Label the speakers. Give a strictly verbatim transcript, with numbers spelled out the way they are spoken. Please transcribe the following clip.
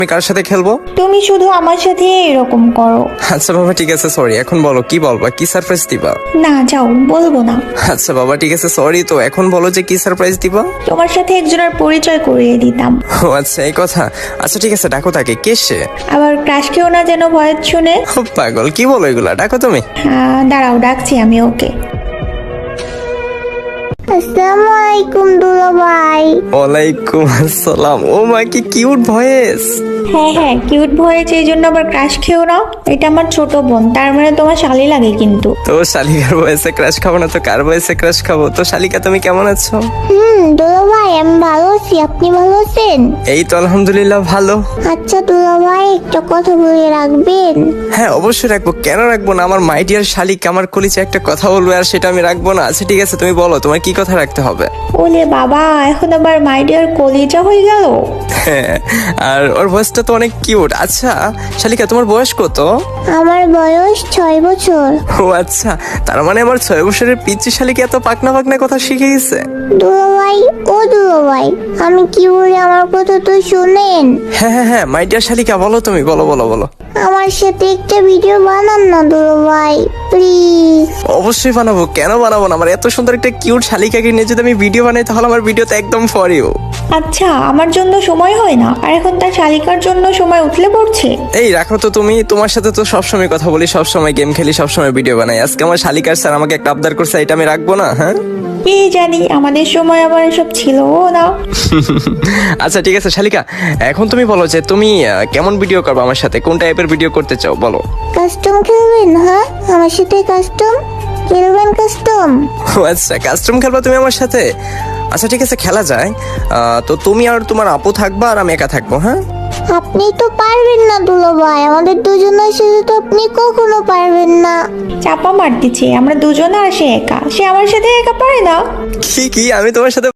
Speaker 1: আমি কার সাথে খেলবো?
Speaker 2: তুমি শুধু আমার সাথে এরকম করো।
Speaker 1: আচ্ছা বাবা ঠিক আছে সরি, এখন বলো কি বলবা, কি সারপ্রাইজ দিবা?
Speaker 2: না যাও, বলবো না।
Speaker 1: আচ্ছা বাবা ঠিক আছে সরি, তো এখন বলো যে কি সারপ্রাইজ দিবা?
Speaker 2: তোমার সাথে একজনের পরিচয় করিয়ে দিতাম।
Speaker 1: ও আচ্ছা এই কথা। আচ্ছা ঠিক আছে ডাকো তাকে, কে সে?
Speaker 2: আবার ক্রাশ কেউ না যেন ভয়ের শুনে।
Speaker 1: ও পাগল, কি বলো এগুলা, ডাকো তুমি।
Speaker 2: হ্যাঁ দাঁড়াও, ডাকছি আমি ওকে।
Speaker 3: আসসালামু আলাইকুম দুলা ভাই।
Speaker 1: ওয়ালাইকুম আসসালাম। ও মা কি কিউট ভয়েস।
Speaker 2: হ্যাঁ হ্যাঁ কিউট ভয়েস, এই জন্য আবার ক্রাশ খেও না। এটা আমার ছোট বোন, তার মানে তোমার শালি লাগে কিন্তু।
Speaker 1: তো শালিকার বয়সে ক্রাশ খাবো না তো কার বয়সে ক্রাশ খাবো? তো শালিকা তুমি কেমন আছো?
Speaker 3: হুম দুলা ভাই আমি ভালো আছি, আপনি ভালো আছেন?
Speaker 1: এই তো আলহামদুলিল্লাহ ভালো।
Speaker 3: আচ্ছা দুলা ভাই একটা কথা বলে রাখবেন।
Speaker 1: হ্যাঁ অবশ্যই রাখবো, কেন রাখবো না? আমার মাই ডিয়ার শালিক আমার কলিজা একটা কথা বলবে আর সেটা আমি রাখবো না? আচ্ছা ঠিক আছে তুমি বলো তোমার কি কথা রাখতে হবে।
Speaker 2: ওলে বাবা, এখন আবার মাই ডিয়ার কলিজা হয়ে গেল।
Speaker 1: হ্যাঁ, আর ওর ভয়েসটা তো অনেক কিউট। আচ্ছা শালিকা তোমার বয়স কত?
Speaker 3: আমার বয়স ছয় বছর।
Speaker 1: ও আচ্ছা, তার মানে আমার ছয় বছরের পিচ্চি শালিকা এত পাকনা পাকনা কথা শিখে গেছে।
Speaker 3: দুলা ভাই ও দুলা ভাই, আমি কি বলি আমার কথা তো শুনেন।
Speaker 1: হ্যাঁ হ্যাঁ হ্যাঁ মাই ডিয়ার শালিকা বলো তুমি, বলো বলো বলো।
Speaker 3: আমার সাথে একটা ভিডিও বানান না দুলা ভাই প্লিজ।
Speaker 1: অবশ্যই বানাবো, কেন বানাবো না? আমার এত সুন্দর একটা কিউট শালিকাকে নিয়ে যদি আমি ভিডিও বানাই তাহলে আমার ভিডিওতে একদম ফর ইউ।
Speaker 2: আচ্ছা আমার জন্য সময় হয় না, আর এখন তার শালিকার জন্য সময় উঠলে পড়ছে।
Speaker 1: এই রাখো তো তুমি, তোমার সাথে তো সবসময় কথা বলি, সবসময় গেম খেলি, সবসময় ভিডিও বানাই। আজকে আমার শালিকার স্যার আমাকে একটা আবদার করছে, এটা আমি রাখবো না? হ্যাঁ
Speaker 2: কি জানি, আমাদের সময় আবার এসব ছিল না।
Speaker 1: আচ্ছা ঠিক আছে শালিকা, এখন তুমি বলো যে তুমি আহ, কেমন ভিডিও করবে আমার সাথে, কোন টাইপের ভিডিও করতে চাও বলো।
Speaker 3: কাস্টম খেলবেন? হ্যাঁ আমার সাথে কাস্টম খেলবেন? কাস্টম
Speaker 1: ও আচ্ছা কাস্টম খেলবা তুমি আমার সাথে? আচ্ছা ঠিক আছে খেলা যায়। আহ, তো তুমি আর তোমার আপু থাকবা আর আমি একা থাকবো। হ্যাঁ
Speaker 3: আপনি তো পারবেন না দুলা ভাই, আমাদের দুজনের সাথে তো আপনি কখনো পারবেন না।
Speaker 2: চাপা মারতেছে, আমরা দুজনে আর সে একা, সে আমার সাথে একা পারে না।
Speaker 1: কি কি আমি তোমার সাথে